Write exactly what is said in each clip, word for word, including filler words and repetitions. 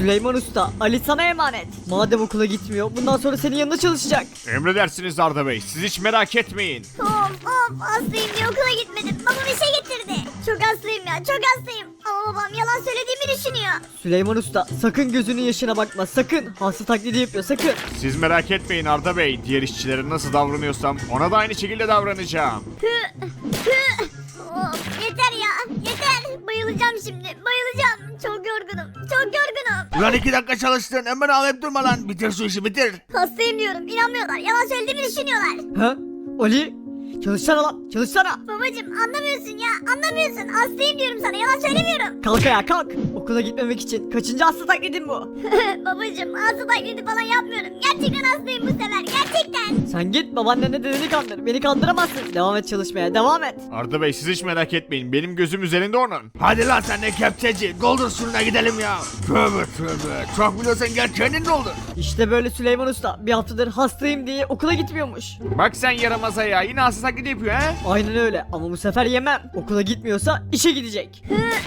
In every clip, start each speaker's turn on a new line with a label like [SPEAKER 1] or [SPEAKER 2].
[SPEAKER 1] Süleyman Usta, Ali sana emanet. Madem okula gitmiyor, bundan sonra senin yanında çalışacak.
[SPEAKER 2] Emredersiniz Arda Bey. Siz hiç merak etmeyin.
[SPEAKER 3] Of of hastayım diye okula gitmedim. Babam işe getirdi. Çok hastayım ya çok hastayım. Ama babam yalan söylediğimi düşünüyor.
[SPEAKER 1] Süleyman Usta, sakın gözünün yaşına bakma, sakın. Hasta taklidi yapıyor, sakın.
[SPEAKER 2] Siz merak etmeyin Arda Bey. Diğer işçilere nasıl davranıyorsam ona da aynı şekilde davranacağım.
[SPEAKER 3] Hı, hı. Of yeter ya yeter. Bayılacağım şimdi bayılacağım. Çok yorgunum çok yorgunum.
[SPEAKER 4] Ulan iki dakika çalıştın hemen ağlayıp durma lan. Bitir şu işi bitir.
[SPEAKER 3] Hastayım diyorum inanmıyorlar. Yalan söylediğimi düşünüyorlar.
[SPEAKER 1] Ha? Ali? Çalışsana lan, çalışsana.
[SPEAKER 3] Babacım anlamıyorsun ya anlamıyorsun. Hastayım diyorum sana yalan söylemiyorum.
[SPEAKER 1] Kalk ayağa kalk. Okula gitmemek için kaçıncı hasta taklidin bu?
[SPEAKER 3] Babacım hasta taklidi falan yapmıyorum. Gerçekten hastayım bu sefer gerçekten.
[SPEAKER 1] Sen git babaannenle dedeni kandır. Beni kandıramazsın. Devam et çalışmaya, devam et.
[SPEAKER 2] Arda Bey siz hiç merak etmeyin. Benim gözüm üzerinde onun.
[SPEAKER 4] Hadi lan sen de kepçeci. Doldur şuna gidelim ya. Tövbe tövbe. Çok biliyorsan gel kendin doldur.
[SPEAKER 1] İşte böyle Süleyman Usta bir haftadır hastayım diye okula gitmiyormuş.
[SPEAKER 2] Bak sen yaramaza ya. Yine hasta taklidi yapıyor he?
[SPEAKER 1] Aynen öyle ama bu sefer yemem. Okula gitmiyorsa işe gidecek.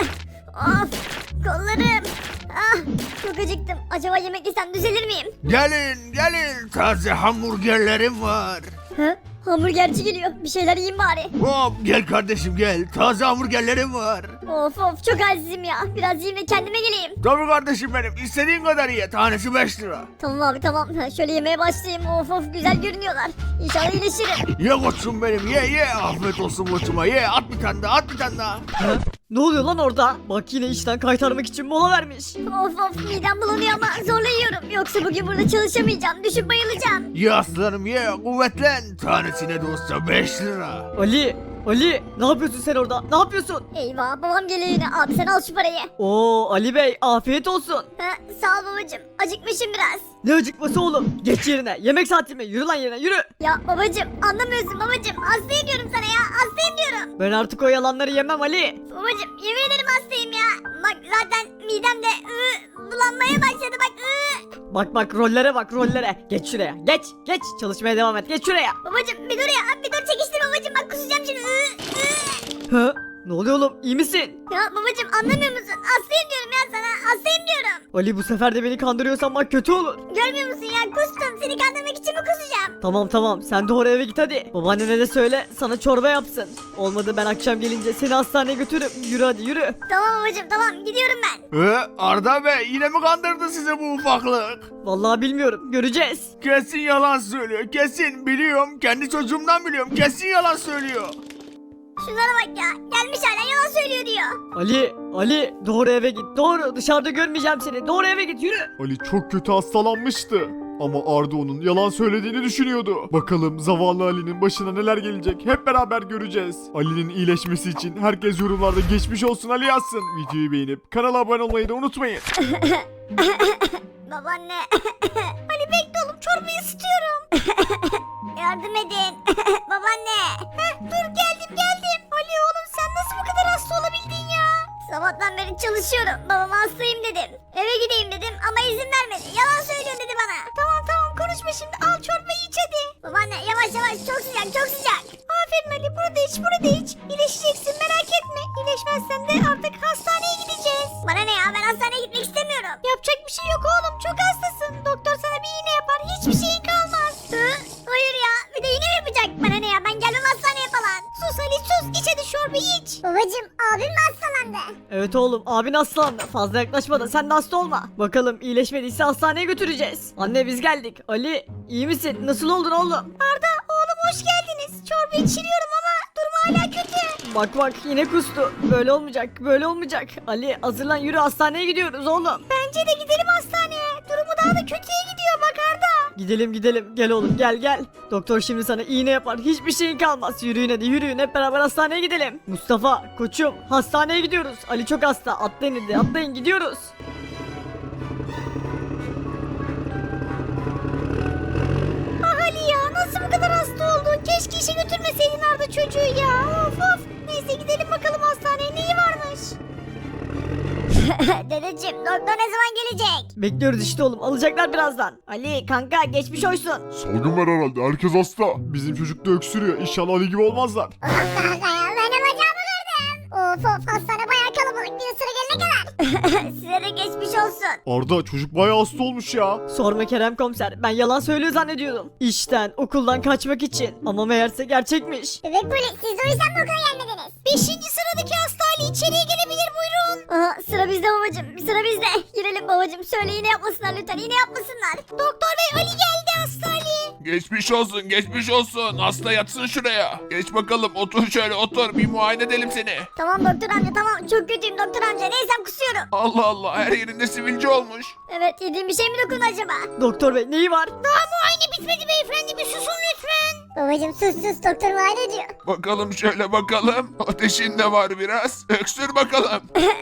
[SPEAKER 3] Of kollarım. Ah çok acıktım. Acaba yemek yesem düzelir miyim?
[SPEAKER 4] Gelin gelin. Taze hamburgerlerim var.
[SPEAKER 3] Hı? Hamburgerci geliyor. Bir şeyler yiyeyim bari.
[SPEAKER 4] Hop gel kardeşim gel. Taze hamburgerlerim var.
[SPEAKER 3] Of of çok halsizim ya. Biraz yiyeyim de kendime geleyim.
[SPEAKER 4] Tabii kardeşim benim. İstediğin kadar ye. Tanesi beş lira.
[SPEAKER 3] Tamam abi tamam. Ha, şöyle yemeye başlayayım. Of of güzel görünüyorlar. İnşallah iyileşirim.
[SPEAKER 4] Ye koçum benim ye ye. Afiyet olsun koçuma ye. At bir tane daha at bir tane daha.
[SPEAKER 1] Ha? Ne oluyor lan orada? Bak yine işten kaytarmak için mola vermiş.
[SPEAKER 3] Of of midem bulanıyor ama zorla yiyorum. Yoksa bugün burada çalışamayacağım. Düşüp bayılacağım.
[SPEAKER 4] Ye aslanım ye. Kuvvetlen. Tanesine de olsa beş lira.
[SPEAKER 1] Ali, Ali ne yapıyorsun sen orada? Ne yapıyorsun?
[SPEAKER 3] Eyvah babam geliyor yine. Abi sen al şu parayı.
[SPEAKER 1] Oo Ali Bey afiyet olsun.
[SPEAKER 3] Ha, sağ ol babacım. Acıkmışım biraz.
[SPEAKER 1] Ne acıkması oğlum? Geç yerine. Yemek saati mi? Yürü lan yerine yürü.
[SPEAKER 3] Ya babacım anlamıyorsun babacım. Hastayım diyorum sana ya. Hastayım diyorum.
[SPEAKER 1] Ben artık o yalanları yemem Ali.
[SPEAKER 3] Babacım yemin ederim hastayım ya. Bak zaten midemde ıı, bulanmaya başladı bak ıı.
[SPEAKER 1] Bak bak rollere bak rollere. Geç şuraya. Geç geç. Çalışmaya devam et. Geç şuraya.
[SPEAKER 3] Babacım bir dur ya. Bir dur çekiştir babacım. Bak kusacağım şimdi. Iı, ıı.
[SPEAKER 1] Ha? Ne oluyor oğlum? İyi misin?
[SPEAKER 3] Ya babacım anlamıyor musun? Hastayım diyorum ya sana. Hastayım diyorum.
[SPEAKER 1] Ali bu sefer de beni kandırıyorsan bak kötü olur.
[SPEAKER 3] Görmüyor musun ya? Kustum. Seni kandırmak için mi kusacağım?
[SPEAKER 1] Tamam tamam sen doğru eve git hadi. Babaannene de söyle sana çorba yapsın. Olmadı ben akşam gelince seni hastaneye götürürüm. Yürü hadi yürü.
[SPEAKER 3] Tamam babacım tamam. Gidiyorum ben.
[SPEAKER 4] Ee, Arda Bey yine mi kandırdı size bu ufaklık?
[SPEAKER 1] Vallahi bilmiyorum göreceğiz.
[SPEAKER 4] Kesin yalan söylüyor. Kesin biliyorum. Kendi çocuğumdan biliyorum. Kesin yalan söylüyor.
[SPEAKER 3] Şunlara bak ya. Gelmiş hala yalan söylüyor diyor.
[SPEAKER 1] Ali Ali doğru eve git doğru dışarıda görmeyeceğim seni doğru eve git yürü.
[SPEAKER 2] Ali çok kötü hastalanmıştı. Ama Arda onun yalan söylediğini düşünüyordu. Bakalım zavallı Ali'nin başına neler gelecek hep beraber göreceğiz. Ali'nin iyileşmesi için herkes yorumlarda geçmiş olsun Ali yazsın. Videoyu beğenip kanala abone olmayı da unutmayın.
[SPEAKER 3] Babaanne. Ali bekle oğlum çorbayı ısıtıyorum. Yardım edin. Babaanne. Heh, dur geldim geldim. Ali oğlum sen nasıl bu kadar hasta olabildin ya? Sabahtan beri çalışıyorum. Babama hastayım dedim. Eve gideyim dedim ama izin vermedi. Yalan söylüyorsun dedi bana. Tamam tamam konuşma şimdi al çorbayı iç hadi. Babaanne yavaş yavaş çok sıcak çok sıcak. Aferin Ali burada iç burada iç. İyileşeceksin merak etme. İyileşmezsen de artık hastaneye gideceğiz. Bana ne ya ben hastaneye gitmek istemiyorum. Yapacak bir şey yok oğlum çok hastasın. Doktor sana bir iğne yapar hiçbir şeyin kalmaz. Hı? Hayır ya bir de iğne mi yapacak? Bana ne ya ben gelmem hastaneye falan. Sus Ali sus iç hadi çorbayı iç. Babacım abim mi hastalandı?
[SPEAKER 1] Evet oğlum abin hastalandı fazla yaklaşma da sen de hasta olma. Bakalım iyileşmediyse hastaneye götüreceğiz. Anne biz geldik. Ali iyi misin? Nasıl oldun oğlum?
[SPEAKER 3] Arda oğlum hoş geldiniz. Çorba içiriyorum ama durum hala kötü.
[SPEAKER 1] Bak bak yine kustu. Böyle olmayacak böyle olmayacak. Ali hazırlan yürü hastaneye gidiyoruz oğlum.
[SPEAKER 3] Bence de gidelim hastaneye. Durumu daha da kötüye gidiyor bak Arda.
[SPEAKER 1] Gidelim gidelim gel oğlum gel gel. Doktor şimdi sana iğne yapar hiçbir şeyin kalmaz. Yürüyün hadi yürüyün hep beraber hastaneye gidelim. Mustafa koçum hastaneye gidiyoruz. Ali çok hasta atlayın hadi atlayın gidiyoruz.
[SPEAKER 3] Ah Ali ya nasıl bu kadar hasta oldun? Keşke işe götürmeseydin Arda çocuğu ya. Of of. Neyse gidelim bakalım hastaneye neyi varmış? Dedeciğim doktor ne zaman gelecek?
[SPEAKER 1] Bekliyoruz işte oğlum alacaklar birazdan. Ali kanka geçmiş olsun.
[SPEAKER 2] Salgın var herhalde herkes hasta. Bizim çocuk da öksürüyor. İnşallah Ali gibi olmazlar.
[SPEAKER 3] Kanka ya ben de bacağımı kırdım. Of of hastane bayağı kalabalık bir sıra gelene kadar. Size de geçmiş olsun.
[SPEAKER 2] Arda çocuk bayağı hasta olmuş ya.
[SPEAKER 1] Sorma Kerem komiser, ben yalan söylüyor zannediyordum. İşten, okuldan kaçmak için. Ama meğerse gerçekmiş.
[SPEAKER 3] Bebek polis siz o yüzden mi okula gelmediniz? Beşinci sıradaki hasta Ali içeriye gelebilir buyurun. Aha sıra bizde babacım sıra bizde. Girelim babacım söyle yine yapmasınlar lütfen yine yapmasınlar. Doktor bey Ali geldi hasta Ali.
[SPEAKER 4] Geçmiş olsun geçmiş olsun. Hasta yatsın şuraya. Geç bakalım otur şöyle otur. Bir muayene edelim seni.
[SPEAKER 3] Tamam doktor amca tamam çok kötüyüm doktor amca neysem kusuyorum.
[SPEAKER 4] Allah Allah her yerinde sivilce olmuş.
[SPEAKER 3] Evet yediğim bir şey mi dokundu acaba?
[SPEAKER 1] Doktor bey neyi var?
[SPEAKER 3] Daha muayene bitmedi beyefendi bir susun lütfen. Babacım sus sus doktor muayene ediyor.
[SPEAKER 4] Bakalım şöyle bakalım. Ateşin de var biraz. Öksür bakalım.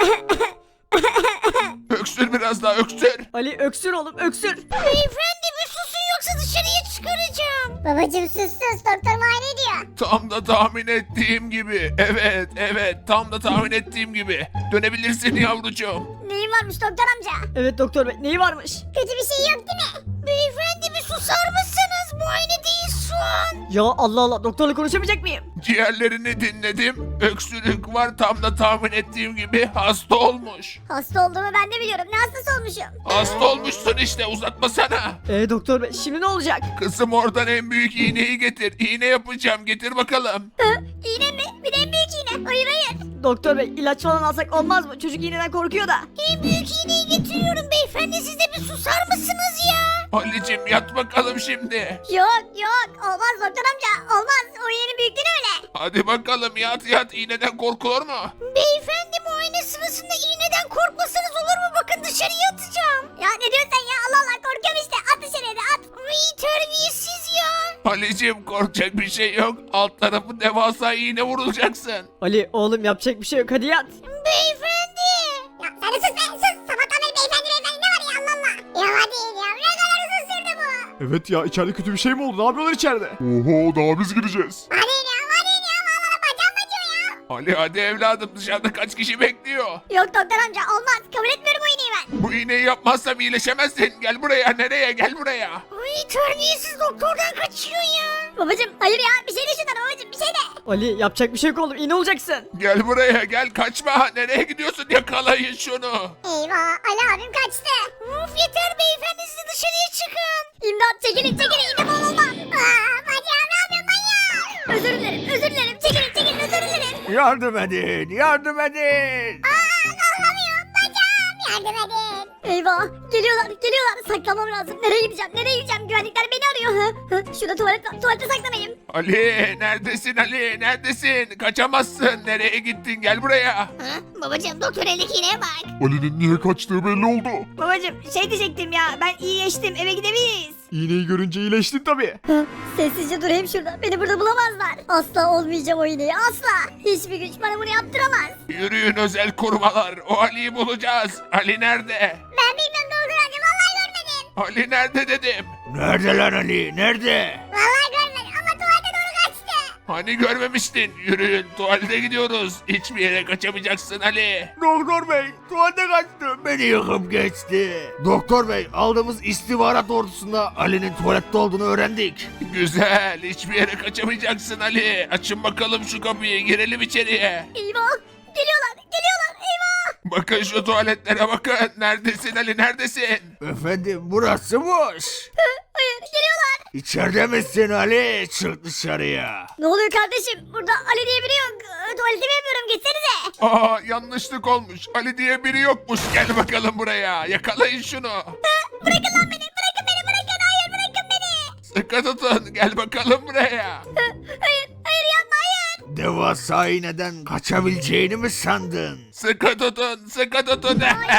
[SPEAKER 4] Öksür biraz daha öksür.
[SPEAKER 1] Ali öksür oğlum öksür.
[SPEAKER 3] Beyefendi bir susun yoksa dışarıya çıkaracağım. Babacım sus sus doktor muayene ediyor.
[SPEAKER 4] Tam da tahmin ettiğim gibi. Evet evet tam da tahmin ettiğim gibi. Dönebilirsin yavrucuğum.
[SPEAKER 3] Neyin varmış doktor amca?
[SPEAKER 1] Evet doktor bey neyi varmış?
[SPEAKER 3] Kötü bir şey yok değil mi? Beyefendi bir susar mısınız? Muayene değil şu an.
[SPEAKER 1] Ya Allah Allah doktorla konuşamayacak mıyım?
[SPEAKER 4] Ciğerlerini dinledim. Öksürük var tam da tahmin ettiğim gibi hasta olmuş.
[SPEAKER 3] Hasta olduğumu ben de biliyorum. Ne hastası olmuşum?
[SPEAKER 4] Hasta olmuşsun işte uzatmasana.
[SPEAKER 1] Ee doktor bey şimdi ne olacak?
[SPEAKER 4] Kızım oradan en büyük iğneyi getir. İğne yapacağım getir bakalım.
[SPEAKER 3] Hı? İğne mi? Bir de en büyük iğne. Hayır hayır.
[SPEAKER 1] Doktor bey ilaç falan alsak olmaz mı? Çocuk iğneden korkuyor da.
[SPEAKER 3] En büyük iğneyi getiriyorum beyefendi. Siz de bir susar mısınız ya?
[SPEAKER 4] Halicim yat bakalım şimdi.
[SPEAKER 3] Yok yok. Olmaz doktor amca. Olmaz. O iğnenin büyüklüğü öyle.
[SPEAKER 4] Hadi bakalım yat yat iğneden korkulur mu?
[SPEAKER 3] Beyefendi muayene sırasında iğneden korkmasanız olur mu? Bakın dışarıya atacağım. Ya ne diyorsun sen ya? Allah Allah korkuyorum işte. At dışarıya da at. Ay terbiyesiz ya.
[SPEAKER 4] Halicim korkacak bir şey yok. Alt tarafı devasa iğne vurulacaksın.
[SPEAKER 1] Ali oğlum yapacak bir şey yok hadi yat.
[SPEAKER 3] Beyefendi. Ya sen de sus be sus. Sabahtan beri beyefendi beyefendi ne var ya Allah Allah. Ya hadi ya ne kadar uzun sürdü bu.
[SPEAKER 2] Evet ya içeride kötü bir şey mi oldu? Ne yapıyorlar içeride?
[SPEAKER 5] Oho daha biz gireceğiz.
[SPEAKER 3] Hadi ya hadi ya valla bacağım acıyor ya.
[SPEAKER 4] Ali hadi evladım dışarıda kaç kişi bekliyor?
[SPEAKER 3] Yok doktor amca olmaz kabul etmiyorum bu iğneyi ben.
[SPEAKER 4] Bu iğneyi yapmazsam iyileşemezsin. Gel buraya nereye gel buraya.
[SPEAKER 3] Ay terbiyesiz doktordan kaçıyor ya. Babacım hayır ya bir şey de şundan babacım bir şey de.
[SPEAKER 1] Ali yapacak bir şey yok oğlum iğne olacaksın.
[SPEAKER 4] Gel buraya gel kaçma. Nereye gidiyorsun yakalayın şunu.
[SPEAKER 3] Eyvah Ali abim kaçtı. Of yeter beyefendi siz de dışarıya çıkın. İmdat çekilin çekilin yine bol olmam. Aa, bacağım ne yapıyorsun manyak? Özür dilerim özür dilerim çekilin çekilin özür dilerim.
[SPEAKER 4] Yardım edin yardım edin.
[SPEAKER 3] Aa kalkamıyorum bacağım yardım edin. Eyvah geliyorlar geliyorlar saklamam lazım. Nereye gideceğim nereye gideceğim güvenlikler beni arıyor. Hı, hı. Şurada tuvalet var tuvalete saklanayım.
[SPEAKER 4] Ali neredesin Ali neredesin? Kaçamazsın. Nereye gittin gel buraya.
[SPEAKER 3] Hı? Babacım doktor eldeki iğneye bak.
[SPEAKER 5] Ali'nin niye kaçtığı belli oldu.
[SPEAKER 3] Babacım şey diyecektim ya ben iyileştim eve gidebiliriz.
[SPEAKER 2] İğneyi görünce iyileştin tabii.
[SPEAKER 3] Sessizce durayım şurada. Beni burada bulamazlar. Asla olmayacağım o iğneyi. Asla. Hiçbir güç bana bunu yaptıramaz.
[SPEAKER 4] Yürüyün özel korumalar. O Ali'yi bulacağız. Ali nerede?
[SPEAKER 3] Ben bilmem ne olduğunu anca vallahi görmedim.
[SPEAKER 4] Ali nerede dedim. Nerede lan Ali? Nerede?
[SPEAKER 3] Vallahi görmedim ama tuvalete doğru kaçtı.
[SPEAKER 4] Hani görmemiştin? Yürüyün tuvalete gidiyoruz. Hiçbir yere kaçamayacaksın Ali.
[SPEAKER 2] Doktor bey tuvalete kaçtım.
[SPEAKER 4] Beni yakıp geçti. Doktor bey aldığımız istihbarat doğrultusunda Ali'nin tuvalette olduğunu öğrendik. Güzel hiçbir yere kaçamayacaksın Ali. Açın bakalım şu kapıyı girelim içeriye.
[SPEAKER 3] Eyvah. Geliyorlar. Geliyorlar. Eyvah.
[SPEAKER 4] Bakın şu tuvaletlere bakın. Neredesin Ali neredesin? Efendim burası boş.
[SPEAKER 3] Hayır geliyorlar.
[SPEAKER 4] İçeride misin Ali? Çık dışarıya.
[SPEAKER 3] Ne oluyor kardeşim? Burada Ali diye biri yok. Ee, Tuvaletimi yapıyorum. Gitsenize.
[SPEAKER 4] Aa yanlışlık olmuş. Ali diye biri yokmuş. Gel bakalım buraya. Yakalayın şunu.
[SPEAKER 3] Bırakın lan beni. Bırakın beni. Bırakın. Hayır bırakın beni.
[SPEAKER 4] Sıkı tutun. Gel bakalım buraya.
[SPEAKER 3] Hayır. Hayır yapma hayır.
[SPEAKER 4] Devasa iğneden kaçabileceğini mi sandın? Sıkı tutun. Sıkı tutun.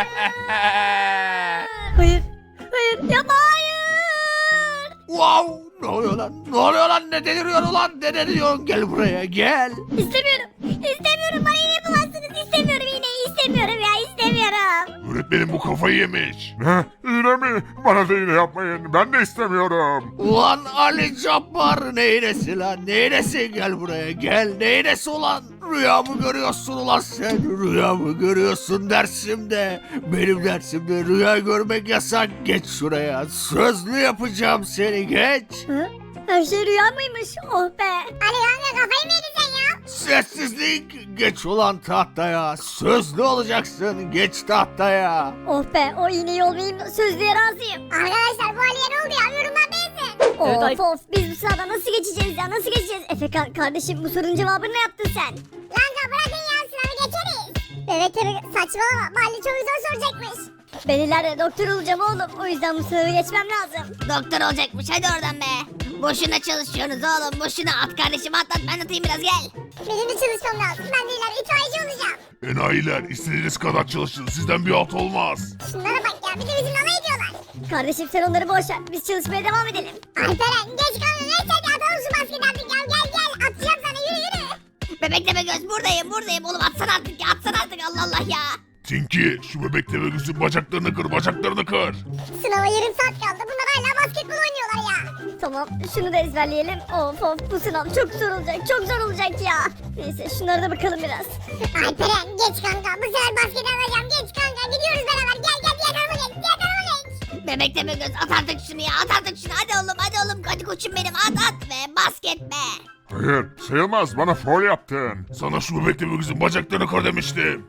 [SPEAKER 3] Hayır. Hayır. Yapma hayır.
[SPEAKER 4] Wow! Ne oluyor lan? Ne oluyor lan? Ne deliriyor lan? Ne deliriyor? Gel buraya gel.
[SPEAKER 3] İstemiyorum. İstemiyorum. Bana iğne yapamazsınız. İstemiyorum iğneyi. İstemiyorum ya. İstemiyorum.
[SPEAKER 4] Öğretmenim bu kafayı yemiş.
[SPEAKER 5] Ne? İğne mi? Bana da iğne yapmayın. Ben de istemiyorum.
[SPEAKER 4] Ulan Ali Cabbar ne iğnesi lan? Ne iğnesi? Gel buraya gel. Ne iğnesi ulan? Rüyamı görüyorsun ulan sen. Rüyamı görüyorsun dersimde. Benim dersimde rüya görmek yasak. Geç şuraya. Sözlü yapacağım seni geç.
[SPEAKER 3] Hı? Her şey rüya mıymış? Oh be. Ali amca kafayı mı yedin sen ya?
[SPEAKER 4] Sessizlik. Geç ulan tahtaya. Sözlü olacaksın. Geç tahtaya.
[SPEAKER 3] Oh be, o iğneyi olmayayım da sözlüye razıyım. Arkadaşlar bu Ali'ye ne oldu ya? Yorumlar beğensin.
[SPEAKER 1] Evet,
[SPEAKER 3] Of
[SPEAKER 1] ay-
[SPEAKER 3] of, biz bu sırada nasıl geçeceğiz ya? Nasıl geçeceğiz? Efekan kardeşim, bu sorunun cevabını ne yaptın sen? Lanka bırakın ya, sınavı geçeriz. Evet evet, saçmalama. Bu Ali çok zor soracakmış. Ben ileride doktor olacağım oğlum. O yüzden bu sınavı geçmem lazım.
[SPEAKER 6] Doktor olacakmış, hadi oradan be. Boşuna çalışıyorsunuz oğlum, boşuna. At kardeşim, at at, ben atayım biraz, gel.
[SPEAKER 3] Benim de çalışmam lazım. Ben de ileride itfaiyeci olacağım.
[SPEAKER 5] Enayiler istediğiniz kadar çalışın. Sizden bir alt olmaz.
[SPEAKER 3] Şunlara bak ya, bir de bizimle alay ediyorlar. Kardeşim sen onları boş ver. Biz çalışmaya devam edelim. Alperen geç kaldın. Neyse hadi atalım şu basketi artık ya. Gel gel, atacağım sana, yürü yürü.
[SPEAKER 6] Bebek tepe göz, buradayım buradayım oğlum, atsana artık ya, atsana artık, Allah Allah ya.
[SPEAKER 5] Tinky şu bebek tebe gözün bacaklarını kır bacaklarını kır.
[SPEAKER 3] Sınava yarım saat kaldı. Bunlar hala basketbol oynuyorlar ya. Tamam, şunu da ezberleyelim. Of of, bu sınav çok zor olacak. Çok zor olacak ya. Neyse şunlara da bakalım biraz. Alperen geç kanka. Bu sefer basket alacağım. Geç kanka. Gidiyoruz beraber. Gel gel, diğer tarafa geç. Diğer tarafa geç.
[SPEAKER 6] Bebek tepe göz, at artık şunu ya, at artık şunu, hadi oğlum, hadi oğlum, hadi koçum benim, at at be, basket be.
[SPEAKER 5] Hayır sayılmaz bana foul yaptın. Sana şu bebek tebe gözün bacaklarını kır demiştim.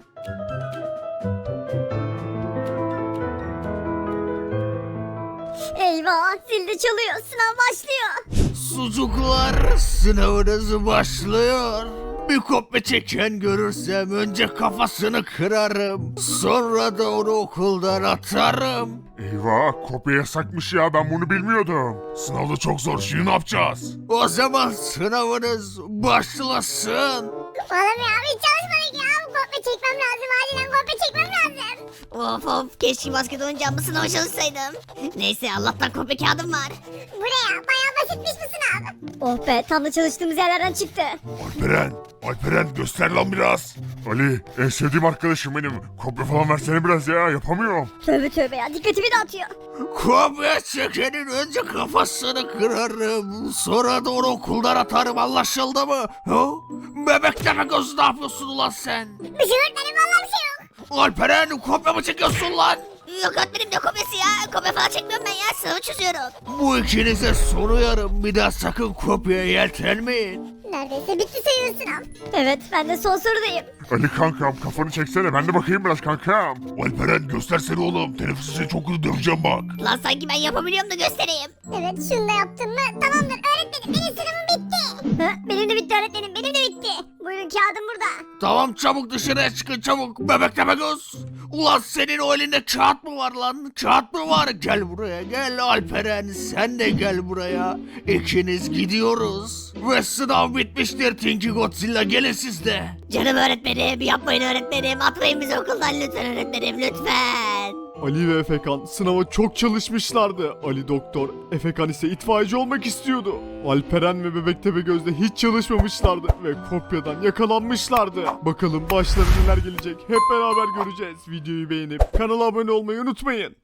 [SPEAKER 3] Eyvah, zil de çalıyor. Sınav başlıyor.
[SPEAKER 4] Sucuklar, sınavınız başlıyor. Bir kopya çeken görürsem önce kafasını kırarım. Sonra da onu okuldan atarım.
[SPEAKER 5] Eyvah kopya yasakmış ya ben bunu bilmiyordum. Sınavda çok zor şimdi ne yapacağız?
[SPEAKER 4] O zaman sınavınız başlasın.
[SPEAKER 3] Oğlum ya, hiç çalışmadık ya. Bu kopya çekmem lazım. Acilen kopya çekmem lazım.
[SPEAKER 6] Of of, keşke basket oynayacağım, bu sınava çalışsaydım. Neyse, Allah'tan kopya kağıdım var.
[SPEAKER 3] Bu ne ya? Bayağı basitmiş bu sınav. Oh be, tam da çalıştığımız yerlerden çıktı.
[SPEAKER 5] Alperen, Alperen göster lan biraz. Ali en sevdiğim arkadaşım benim. Kopya falan versene biraz ya yapamıyorum.
[SPEAKER 3] Tövbe tövbe ya, dikkatimi dağıtıyor.
[SPEAKER 4] Kopya çekenin önce kafasını kırarım. Sonra da onu okuldan atarım, anlaşıldı mı? Ha? Bebek demek göz, ne yapıyorsun ulan sen?
[SPEAKER 3] Bir şey öğretmenim, vallahi bir şey yok.
[SPEAKER 4] Alperen, kopya mı çekiyorsun lan?
[SPEAKER 6] Yok öğretmenim, ne kopyası ya, kopya falan çekmiyorum ben ya, sınavı çözüyorum.
[SPEAKER 4] Bu ikinize soruyorum, bir daha sakın kopyaya yeltenmeyin.
[SPEAKER 3] Neredeyse bitti sayılır sınav. Evet, ben de son sorudayım.
[SPEAKER 5] Ali kankam kafanı çeksene ben de bakayım biraz kankam. Alperen göstersene oğlum teneffüs için çok kötü döveceğim bak.
[SPEAKER 6] Lan sanki ben yapabiliyorum da göstereyim.
[SPEAKER 3] Evet, şunu da yaptın mı? Tamamdır öğretmenim, benim sınavım bitti. Ha, benim de bitti öğretmenim, benim de bitti. Buyurun, kağıdım burada.
[SPEAKER 4] Tamam, çabuk dışarıya çıkın çabuk. Bebek deme göz. Ulan senin o elinde kağıt mı var lan? Kağıt mı var? Gel buraya gel Alperen, sen de gel buraya. İkiniz gidiyoruz. Ve sınav bitmiştir Tinky Godzilla, gelin siz de.
[SPEAKER 6] Canım öğretmenim, yapmayın öğretmenim, atmayın bizi okuldan lütfen öğretmenim, lütfen.
[SPEAKER 2] Ali ve Efekan sınava çok çalışmışlardı. Ali doktor, Efekan ise itfaiyeci olmak istiyordu. Alperen ve Bebek Tepegöz'de hiç çalışmamışlardı ve kopyadan yakalanmışlardı. Bakalım başlarına neler gelecek hep beraber göreceğiz. Videoyu beğenip kanala abone olmayı unutmayın.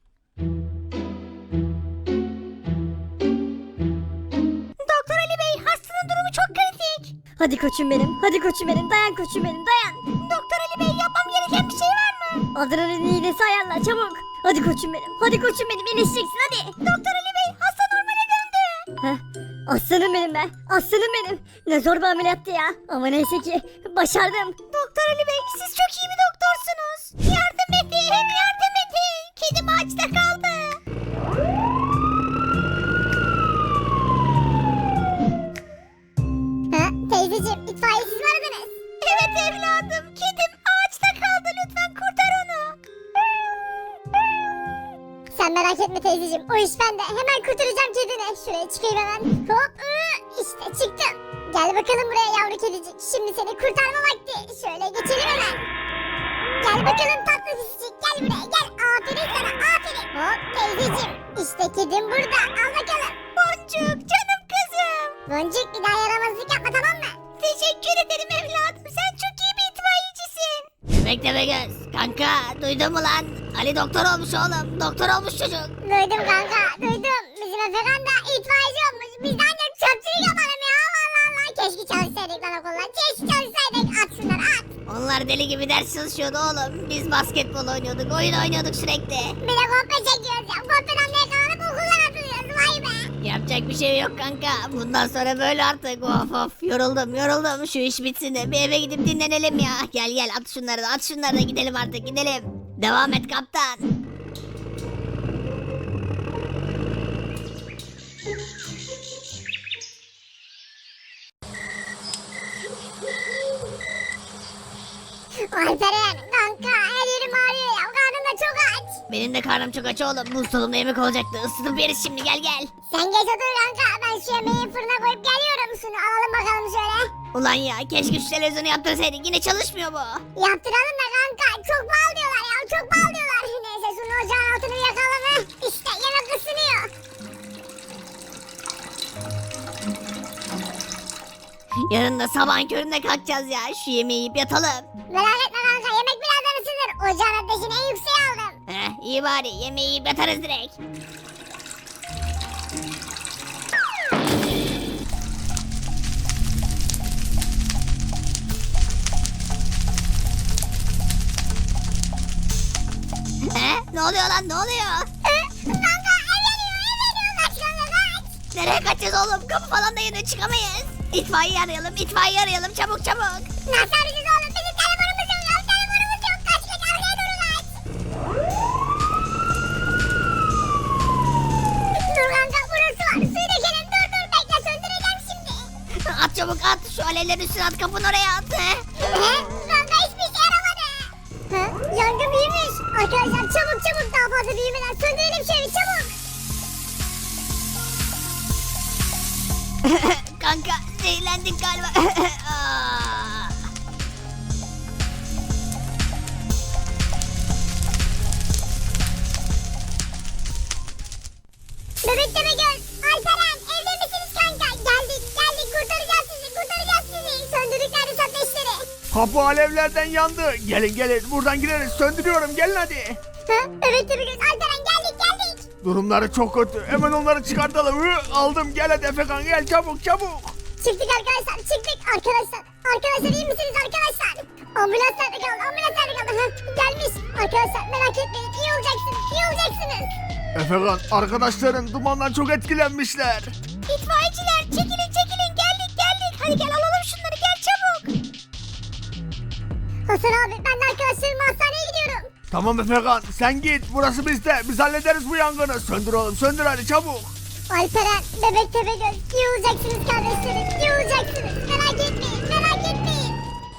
[SPEAKER 3] Doktor Ali Bey, hastanın durumu çok kritik. Hadi koçum benim, hadi koçum benim, dayan koçum benim, dayan. Doktor Ali Bey, yapmam gereken bir şey var mı? Adrenalin iğnesi ayarla çabuk. Hadi koçum benim, hadi koçum benim, iyileşeceksin hadi. Doktor Ali Bey, hasta normale döndü. Heh, aslanım benim be, aslanım benim. Ne zor bir ameliyattı ya, ama neyse ki başardım. Doktor Ali Bey, siz çok iyi bir doktorsunuz. Yardım edin, yardım edin. Kedim ağaçta kaldı. Ha, teyzeciğim, itfaiyesiz mi aradınız? Evet evladım, kedim ağaçta kaldı, lütfen kurtar onu. Sen merak etme teyzeciğim, o iş bende. Hemen kurtaracağım kedini. Şuraya çıkayım hemen. Hop, ıı, işte çıktım. Gel bakalım buraya yavru kedicik. Şimdi seni kurtarma vakti. Şöyle geçelim hemen. Gel bakalım tatlı pisicik, gel buraya gel. Aferin sana, aferin. Hop teyzeciğim, işte kedim burada. Al bakalım. Boncuk, canım kızım. Boncuk, bir daha yaramazlık yapma, tamam mı? Teşekkür ederim evladım, sen çok iyi bir itfaiyecisin.
[SPEAKER 6] Bekle be göz, kanka duydun mu lan? Ali doktor olmuş oğlum, doktor olmuş çocuk.
[SPEAKER 3] Duydum kanka, duydum. Bizim Efekan da itfaiyeci olmuş. Biz de ancak çöpçülük yapalım ya. Allah Allah. Keşke çalışsaydık lan okulda. Keşke çalışsaydık. At şunları at.
[SPEAKER 6] Onlar deli gibi ders çalışıyordu oğlum. Biz basketbol oynuyorduk, oyun oynuyorduk sürekli.
[SPEAKER 3] Bir de kopya çekiyoruz ya. Kopyadan da yakalanıp okuldan atılıyoruz. Vay be.
[SPEAKER 6] Yapacak Yapacak bir şey yok kanka. Bundan sonra böyle artık. Of of yoruldum yoruldum. Şu iş bitsin de bir eve gidip dinlenelim ya. Gel gel at şunları da at şunları da gidelim artık gidelim. Devam et kaptan.
[SPEAKER 3] Alperen kanka her yerim ağrıyor ya. Karnım da çok aç.
[SPEAKER 6] Benim de karnım çok aç oğlum. Buzdolabında yemek olacaktı. Isıtıp yeriz şimdi gel gel.
[SPEAKER 3] Sen geç otur kanka. Ben şu yemeği fırına koyup geliyorum. Şunu alalım bakalım şöyle.
[SPEAKER 6] Ulan ya keşke şu televizyonu yaptırsaydık. Yine çalışmıyor bu.
[SPEAKER 3] Yaptıralım da kanka. Çok pahalı diyorlar ya. Çok pahalı diyorlar. Neyse şunu ocağın altını bir yakalım. He. İşte yemek ısınıyor.
[SPEAKER 6] Yarın da sabahın köründe kalkacağız ya. Şu yemeği yiyip yatalım.
[SPEAKER 3] Merak etme kanka. Yemek birazdan ısınır. Ocağın ateşini en yükseğe aldım.
[SPEAKER 6] Heh, iyi bari yemeği yiyip yatarız direkt. He, ne oluyor lan ne oluyor?
[SPEAKER 3] Kanka ev yanıyor. Ev yanıyor. Kaç kanka kaç.
[SPEAKER 6] Nereye kaçacağız oğlum? Kapı falan da yanıyor çıkamayız. İtfaiye arayalım itfaiye arayalım çabuk çabuk.
[SPEAKER 3] Nasıl arayacağız oğlum? Bizim telefonumuz yok. Ya telefonumuz yok. Kaç kaç arkaya doğru kaç. Dur kanka burası var. Suyu dökelim. Dur dur bekle söndüreceğim şimdi.
[SPEAKER 6] At çabuk at şu alevlerin üstüne at kapının oraya at. He.
[SPEAKER 3] He? Kanka hiçbir işe yaramadı. He? Yangın büyümüş. Arkadaşlar çabuk çabuk daha fazla büyümeden söndürelim şu evi çabuk.
[SPEAKER 6] Kanka zehirlendik galiba. Aa.
[SPEAKER 3] Bebek deme göz. Alperen evde misiniz kanka? Geldik geldik kurtaracağız sizi kurtaracağız sizi. Söndürdük neredeyse ateşleri.
[SPEAKER 4] Kapı alevlerden yandı. Gelin gelin buradan gireriz söndürüyorum gelin hadi.
[SPEAKER 3] He? Bebek deme göz. Alperen geldik geldik.
[SPEAKER 4] Durumları çok kötü. Hemen onları çıkartalım. Hı, aldım gel hadi Efekan gel çabuk çabuk.
[SPEAKER 3] Çıktık arkadaşlar çıktık arkadaşlar. Arkadaşlar iyi misiniz arkadaşlar? Ambulans nerede kaldı? Ambulans nerede kaldı? Heh, gelmiş. Arkadaşlar merak etmeyin iyi olacaksınız iyi olacaksınız.
[SPEAKER 4] Efekan arkadaşların dumandan çok etkilenmişler.
[SPEAKER 6] İtfaiyeciler çekilin çekilin geldik geldik. Hadi gel alalım şunları gel çabuk.
[SPEAKER 3] Hasan abi ben de arkadaşlarımla hastaneye gidiyorum.
[SPEAKER 4] Tamam Efekan sen git burası bizde. Biz hallederiz bu yangını. Söndür oğlum söndür hadi çabuk.
[SPEAKER 3] Alperen, Bebek Tepegöz iyi olacaksınız kardeşlerim iyi olacaksınız. Merak etmeyin merak etmeyin.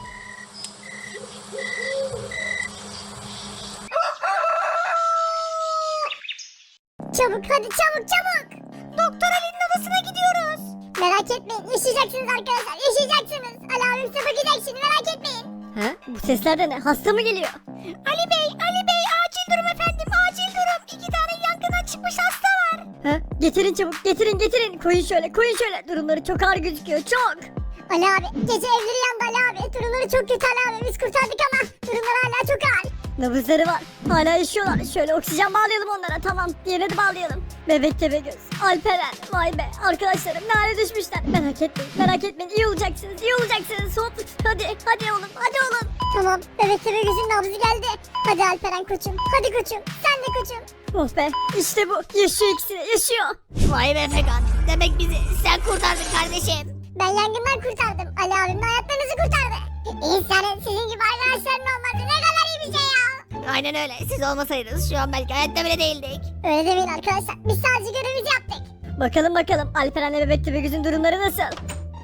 [SPEAKER 3] Çabuk hadi çabuk çabuk. Doktor Ali'nin odasına gidiyoruz. Merak etmeyin yaşayacaksınız arkadaşlar yaşayacaksınız. Ali abim size bakacak şimdi merak etmeyin.
[SPEAKER 7] Ha? Bu sesler de ne? Hasta mı geliyor?
[SPEAKER 6] Ali Bey Ali Bey acil durum efendim acil durum. İki tane yangından çıkmış hasta var.
[SPEAKER 7] Ha? Getirin çabuk, getirin getirin. Koyun şöyle, koyun şöyle. Durumları çok ağır gözüküyor, çok.
[SPEAKER 3] Ali abi gece evleri yandı Ali abi. Durumları çok kötü Ali abi biz kurtardık ama durumları hala çok ağır.
[SPEAKER 7] Nabızları var. Hala yaşıyorlar. Şöyle oksijen bağlayalım onlara. Tamam. Diğerine de bağlayalım. Bebek Tepegöz. Alperen. Vay be. Arkadaşlarım ne hale düşmüşler. Merak etmeyin. Merak etmeyin. İyi olacaksınız. İyi olacaksınız. Hop. Hadi. Hadi oğlum. Hadi oğlum.
[SPEAKER 3] Tamam Bebek Tepegöz'ün nabzı geldi. Hadi Alperen koçum hadi koçum sen de koçum.
[SPEAKER 7] Oh be. İşte bu. Yaşıyor ikisi de. Yaşıyor.
[SPEAKER 6] Vay be Efekan. Demek bizi sen kurtardın kardeşim.
[SPEAKER 3] Ben yangından kurtardım. Ali abim de hayatlarınızı kurtardı. İnsanın sizin gibi arkadaşların olması ne kadar iyi bir şey ya.
[SPEAKER 6] Aynen öyle. Siz olmasaydınız şu an belki hayatta bile değildik.
[SPEAKER 3] Öyle demeyin arkadaşlar. Biz sadece görevimizi yaptık.
[SPEAKER 7] Bakalım bakalım. Alperen'le Bebek Tepegöz'ün durumları nasıl?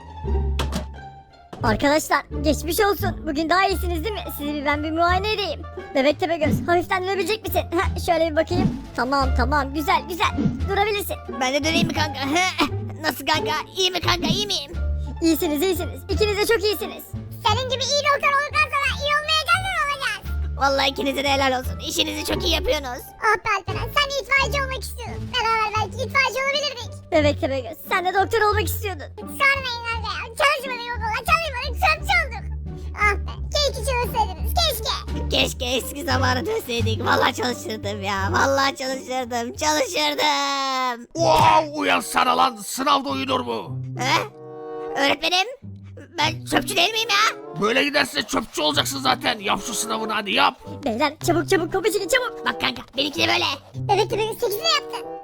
[SPEAKER 7] Arkadaşlar geçmiş olsun. Bugün daha iyisiniz değil mi? Sizi bir ben bir muayene edeyim. Bebek Tepegöz hafiften dönebilecek misin? Heh, şöyle bir bakayım. Tamam tamam güzel güzel. Durabilirsin.
[SPEAKER 6] Ben de döneyim mi kanka? Nasıl kanka? İyi mi kanka? İyi miyim?
[SPEAKER 7] İyisiniz iyisiniz. İkiniz de çok iyisiniz.
[SPEAKER 3] Senin gibi iyi doktor olduktan sonra iyi olmayacak mı olacağız?
[SPEAKER 6] Vallahi ikinize de helal olsun. İşinizi çok iyi yapıyorsunuz.
[SPEAKER 3] Ah be Alperen sen de itfaiyeci olmak istiyordun. Beraber belki itfaiyeci olabilirdik.
[SPEAKER 7] Bebek Tepegöz sen de doktor olmak istiyordun.
[SPEAKER 3] Sormayın kanka ya. Çalışmadık okula çalışmadık çöpçü olduk. Ah be keşke çalışsaydınız keşke.
[SPEAKER 6] Keşke eski zamana dönseydik. Vallahi çalışırdım ya. Vallahi çalışırdım. Çalışırdım.
[SPEAKER 4] Wow uyansana lan sınavda uyunur mu?
[SPEAKER 6] He? Öğretmenim? Ben çöpçü değil miyim ya?
[SPEAKER 4] Böyle giderse çöpçü olacaksın zaten. Yap şu sınavını hadi yap.
[SPEAKER 7] Beyler çabuk çabuk kapı çekin çabuk.
[SPEAKER 6] Bak kanka benimki de böyle.
[SPEAKER 3] Bebek Tepegöz sekizini yaptı. Al kanka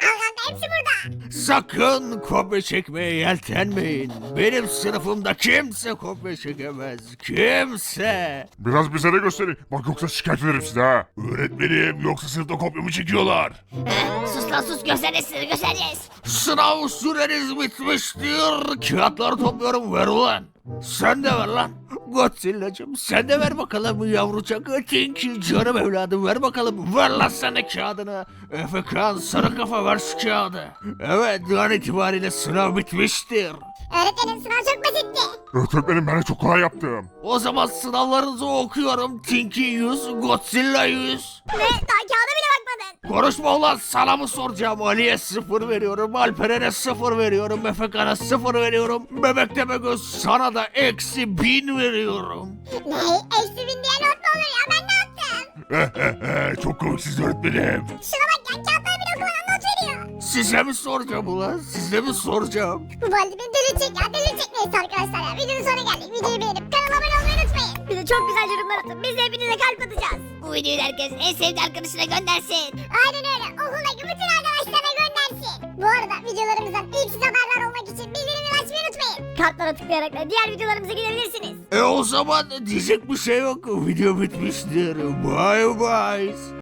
[SPEAKER 3] hepsi burada.
[SPEAKER 4] Sakın kopya çekmeye yeltenmeyin. Benim sınıfımda kimse kopya çekemez. Kimse.
[SPEAKER 5] Biraz bize de gösterin. Bak yoksa şikayet ederim size ha. Öğretmenim yoksa sınıfta kopya mı çekiyorlar?
[SPEAKER 6] He, sus lan sus göstereceğiz size göstereceğiz.
[SPEAKER 4] Sınav süreniz bitmiştir. Kağıtları topluyorum, ver ulan. Sen de ver lan. Godzilla'cım sen de ver bakalım yavrucak. Tinky canım evladım ver bakalım. Ver lan sen de kağıdını. Efekan sarı kafa ver şu kağıdı. Evet an itibariyle sınav bitmiştir.
[SPEAKER 3] Öğretmenim sınav çok basitti.
[SPEAKER 5] Öğretmenim ben de çok kolay yaptım.
[SPEAKER 4] O zaman sınavlarınızı okuyorum. Tinky yüz, Godzilla yüz.
[SPEAKER 3] Ne? Daha kağıda bile bakmadın.
[SPEAKER 4] Konuşma ulan, sana mı soracağım? Ali'ye sıfır veriyorum, Alperen'e sıfır veriyorum, Efekan'a sıfır veriyorum. Bebek Tepegöz sana da eksi bin veriyorum.
[SPEAKER 3] Ne? Eksi bin diye not mu olur ya? Ben ne yaptım?
[SPEAKER 5] Çok komiksiz öğretmenim.
[SPEAKER 3] Şuna bak ya, kağıtları bile okumadan not veriyor.
[SPEAKER 4] Size mi soracağım ulan? Size mi soracağım?
[SPEAKER 3] Bu baldi beni delirecek ya, delirecek. Neyse arkadaşlar ya, videonun sonuna geldik. Videoyu beğenip kanala abone olmayı unutmayın.
[SPEAKER 7] Bir de çok güzel yorumlar atın. Biz de hepinize kalp atacağız.
[SPEAKER 6] Bu videoyu herkes en sevdiği arkadaşına göndersin.
[SPEAKER 3] Aynen öyle. Okuldaki bütün arkadaşlarına göndersin. Bu arada videolarımızdan ilk siz haberdar olmak için bildirimleri açmayı unutmayın.
[SPEAKER 7] Kartlara tıklayarak da diğer videolarımıza gidebilirsiniz.
[SPEAKER 4] E o zaman diyecek bir şey yok. Video bitmiştir. Bye bye.